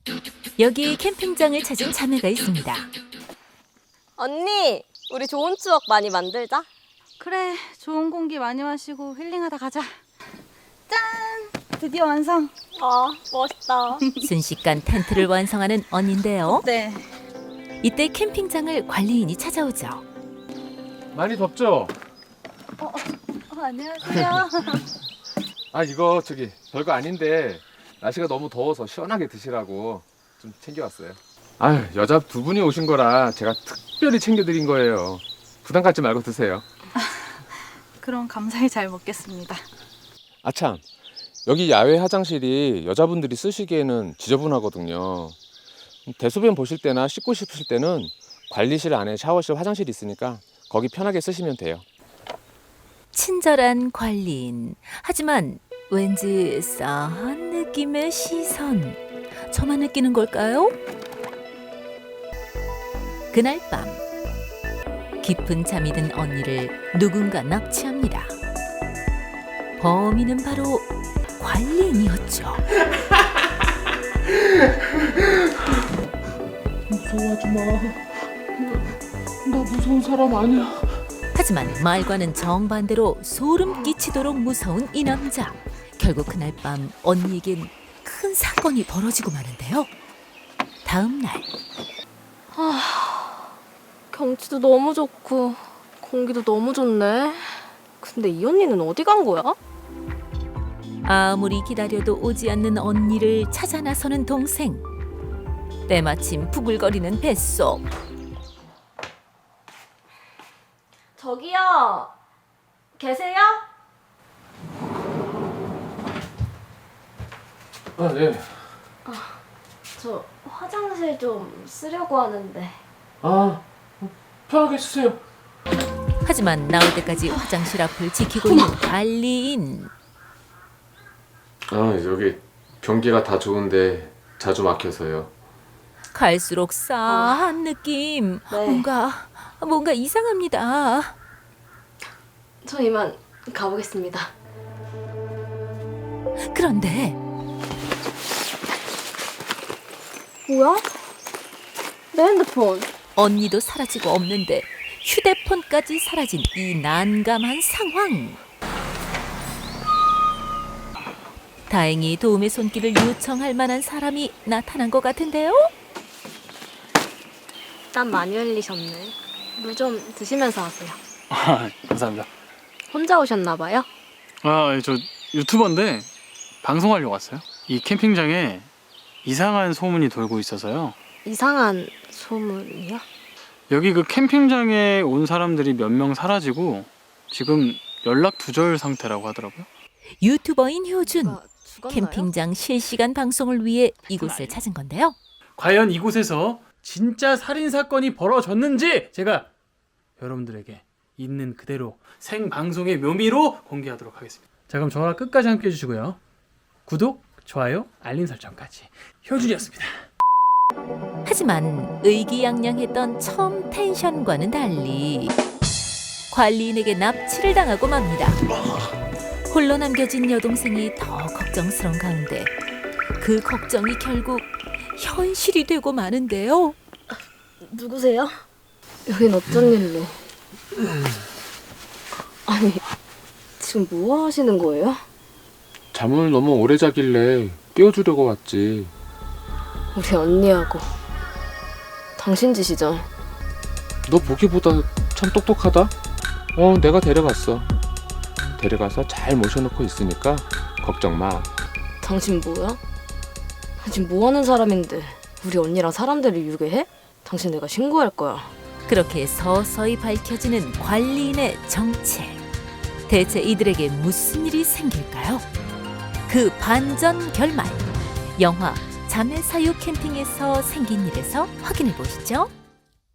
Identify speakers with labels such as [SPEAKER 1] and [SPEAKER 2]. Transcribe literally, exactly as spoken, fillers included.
[SPEAKER 1] 여기 캠핑장을 찾은 자매가 있습니다.
[SPEAKER 2] 언니, 우리 좋은 추억 많이 만들자.
[SPEAKER 3] 그래, 좋은 공기 많이 마시고 힐링하다 가자. 짠! 드디어 완성.
[SPEAKER 2] 아, 멋있다.
[SPEAKER 1] 순식간 텐트를 완성하는 언니인데요.
[SPEAKER 3] 네.
[SPEAKER 1] 이때 캠핑장을 관리인이 찾아오죠.
[SPEAKER 4] 많이 덥죠?
[SPEAKER 3] 어, 안녕하세요.
[SPEAKER 4] 아 이거 저기 별거 아닌데 날씨가 너무 더워서 시원하게 드시라고 좀 챙겨왔어요. 아유 여자 두 분이 오신 거라 제가 특별히 챙겨드린 거예요. 부담 갖지 말고 드세요.
[SPEAKER 3] 그럼 감사히 잘 먹겠습니다.
[SPEAKER 4] 아참 여기 야외 화장실이 여자분들이 쓰시기에는 지저분하거든요. 대소변 보실 때나 씻고 싶으실 때는 관리실 안에 샤워실 화장실이 있으니까 거기 편하게 쓰시면 돼요.
[SPEAKER 1] 친절한 관리인. 하지만 왠지 싸한 느낌의 시선. 저만 느끼는 걸까요? 그날 밤 깊은 잠이 든 언니를 누군가 납치합니다. 범인은 바로 관리인이었죠.
[SPEAKER 4] 무서워하지 마. 나 무서운 사람 아니야.
[SPEAKER 1] 하지만 말과는 정반대로 소름 끼치도록 무서운 이 남자. 결국 그날 밤 언니에겐 큰 사건이 벌어지고 마는데요. 다음 날
[SPEAKER 2] 경치도 너무 좋고 공기도 너무 좋네. 근데 이 언니는 어디 간 거야?
[SPEAKER 1] 아무리 기다려도 오지 않는 언니를 찾아 나서는 동생. 때마침 부글거리는 뱃속.
[SPEAKER 2] 저기요. 계세요?
[SPEAKER 4] 아 네.
[SPEAKER 2] 저 화장실 좀 쓰려고 하는데.
[SPEAKER 4] 아 편하게 쓰세요.
[SPEAKER 1] 하지만 나올 때까지 화장실 앞을 지키고 있는 관리인.
[SPEAKER 4] 아 여기 변기가 다 좋은데 자주 막혀서요.
[SPEAKER 1] 갈수록 싸한 느낌.
[SPEAKER 2] 네.
[SPEAKER 1] 뭔가 뭔가 이상합니다.
[SPEAKER 2] 저 이만 가보겠습니다.
[SPEAKER 1] 그런데
[SPEAKER 2] 뭐야? 내 핸드폰.
[SPEAKER 1] 언니도 사라지고 없는데 휴대폰까지 사라진 이 난감한 상황. 다행히 도움의 손길을 요청할 만한 사람이 나타난 것 같은데요.
[SPEAKER 2] 땀 많이 흘리셨네. 물 좀 드시면서 하세요.
[SPEAKER 5] 아, 감사합니다.
[SPEAKER 2] 혼자 오셨나 봐요?
[SPEAKER 5] 아, 저 유튜버인데 방송하려고 왔어요. 이 캠핑장에 이상한 소문이 돌고 있어서요.
[SPEAKER 2] 이상한 소문이요?
[SPEAKER 5] 여기 그 캠핑장에 온 사람들이 몇 명 사라지고 지금 연락 두절 상태라고 하더라고요.
[SPEAKER 1] 유튜버인 효준.
[SPEAKER 2] 누가 죽었나요?
[SPEAKER 1] 캠핑장 실시간 방송을 위해 이곳을 찾은 건데요.
[SPEAKER 5] 과연 이곳에서 진짜 살인 사건이 벌어졌는지 제가 여러분들에게 있는 그대로 생방송의 묘미로 공개하도록 하겠습니다. 자, 그럼 저와 끝까지 함께 해주시고요. 구독, 좋아요, 알림 설정까지. 효준이었습니다.
[SPEAKER 1] 하지만 의기양양했던 처음 텐션과는 달리 관리인에게 납치를 당하고 맙니다. 홀로 남겨진 여동생이 더 걱정스러운 가운데 그 걱정이 결국 현실이 되고 마는데요.
[SPEAKER 2] 누구세요? 여긴 어쩐 일로? 아니, 지금 뭐 하시는 거예요?
[SPEAKER 4] 잠을 너무 오래 자길래 깨워주려고 왔지.
[SPEAKER 2] 우리 언니하고 당신 짓이죠?
[SPEAKER 4] 너 보기보다 참 똑똑하다. 어 내가 데려갔어. 데려가서 잘 모셔놓고 있으니까 걱정 마.
[SPEAKER 2] 당신 뭐야? 당신 뭐 하는 사람인데 우리 언니랑 사람들을 유괴해? 당신 내가 신고할 거야.
[SPEAKER 1] 그렇게 서서히 밝혀지는 관리인의 정체. 대체 이들에게 무슨 일이 생길까요? 그 반전 결말. 영화 자매 사유 캠핑에서 생긴 일에서 확인해 보시죠.